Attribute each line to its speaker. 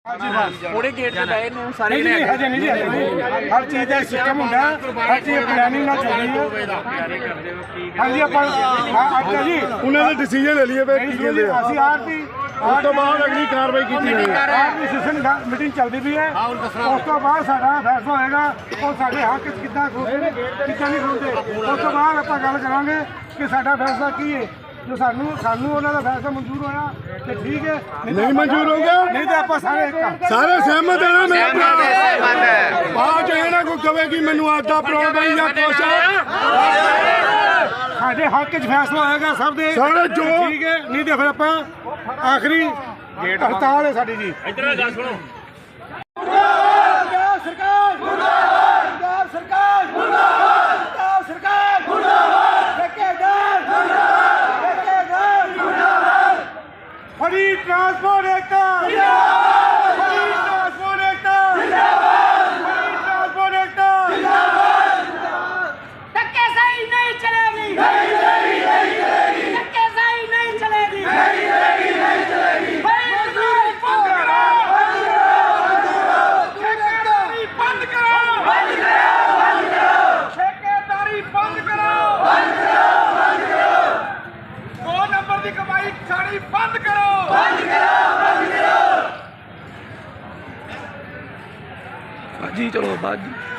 Speaker 1: ਉਹਦੇ ਗੇਟ ਤੇ ਬੈਠੇ ਨੇ ਸਾਰੇ
Speaker 2: ਨਹੀਂ ਹਜੇ ਨਹੀਂ ਜੀ ਹਰ ਚੀਜ਼ ਦਾ ਸਿਸਟਮ ਹੁੰਦਾ ਹਰ ਚੀਜ਼ ਪਲੈਨਿੰਗ ਨਾਲ ਚੱਲਦੀ ਹੈ ਹਾਂਜੀ ਆਪਾਂ ਅੱਛਾ ਜੀ
Speaker 3: ਉਹਨਾਂ ਨੇ ਡਿਸੀਜਨ ਲੈ ਲਈਏ ਵੇ ਕੀ ਕਹਿੰਦੇ ਆ
Speaker 2: ਅਸੀਂ ਆਰਟੀ
Speaker 3: ਉਸ ਤੋਂ ਬਾਅਦ ਅਗਲੀ ਕਾਰਵਾਈ ਕੀਤੀ ਜਾਏਗੀ
Speaker 2: ਆਰਟੀ ਸੈਸ਼ਨ ਮੀਟਿੰਗ ਚੱਲਦੀ ਪਈ ਹੈ ਉਸ ਤੋਂ ਬਾਅਦ ਸਾਡਾ ਫੈਸਲਾ ਹੋਏਗਾ ਉਹ ਸਾਡੇ ਹੱਕ 'ਚ ਕਿੱਦਾਂ ਖਲੋਦੇ ਨੇ ਕਿੱਦਾਂ ਨਹੀਂ ਖਲੋਦੇ ਉਸ ਤੋਂ ਬਾਅਦ ਆਪਾਂ ਗੱਲ ਕਰਾਂਗੇ ਕਿ ਸਾਡਾ ਫੈਸਲਾ ਕੀ ਹੈ ਜੋ ਸਾਨੂੰ ਉਹਨਾਂ ਦਾ ਫੈਸਲਾ ਮਨਜ਼ੂਰ ਹੋਇਆ ਤੇ ਠੀਕ ਹੈ
Speaker 3: ਨਹੀਂ ਮਨਜ਼ੂਰ ਹੋ ਗਿਆ
Speaker 2: ਨਹੀਂ ਤਾਂ ਆਪਾਂ ਸਾਰੇ ਇੱਕ
Speaker 3: ਸਾਰੇ ਸਹਿਮਤ ਹੈ ਨਾ ਮੇਰੇ ਭਰਾ ਬਾਅਦ ਚ ਇਹ ਨਾ ਕੋਈ ਕਵੇ ਕਿ ਮੈਨੂੰ ਆਦਾ ਪ੍ਰੋਬਲਮ ਜਾਂ ਕੁਛ
Speaker 2: ਸਾਡੇ ਹੱਕ 'ਚ ਫੈਸਲਾ ਹੋਏਗਾ ਸਭ ਦੇ
Speaker 3: ਸਾਰੇ ਜੋ
Speaker 2: ਠੀਕ ਹੈ ਨਹੀਂ ਤੇ ਫਿਰ ਆਪਾਂ ਆਖਰੀ ਹੜਤਾਲ ਹੈ ਸਾਡੀ ਜੀ
Speaker 1: ਇੱਧਰ ਗੱਲ ਸੁਣੋ
Speaker 2: ਪੰਜਾਬ ਸਰਕਾਰ ਮੁਰਦਾਬਾਦ ਪੰਜਾਬ ਸਰਕਾਰ ਮੁਰਦਾਬਾਦ ਪੰਜਾਬ ਸਰਕਾਰ ਮੁਰਦਾਬਾਦ ਠੇਕੇਦਾਰ ਮੁਰਦਾਬਾਦ ਠੇਕੇਦਾਰ ਮੁਰਦਾਬਾਦ ਫੜੀ ਟਰਾਂਸਪੋਰਟ ਏਕਤਾ ਜਿੰਦਾਬਾਦ ਫੜੀ ਟਰਾਂਸਪੋਰਟ ਏਕਤਾ ਜਿੰਦਾਬਾਦ ਫੜੀ ਟਰਾਂਸਪੋਰਟ ਏਕਤਾ ਜਿੰਦਾਬਾਦ
Speaker 4: धक्केशाही नहीं चलेगी
Speaker 2: ਨਹੀਂ ਨਹੀਂ ਨਹੀਂ ਚਲੇਗੀ
Speaker 4: धक्केशाही नहीं चलेगी
Speaker 2: ਨਹੀਂ ਚਲੇਗੀ ਨਹੀਂ ਚਲੇਗੀ
Speaker 4: मजदूरी बंद करो ठेकेदारी बंद करो ठेकेदारी बंद करो 2 नंबर की कमाई खानी बंद करो
Speaker 1: ਬਾਜੀ ਚਲੋ ਬਾਜੀ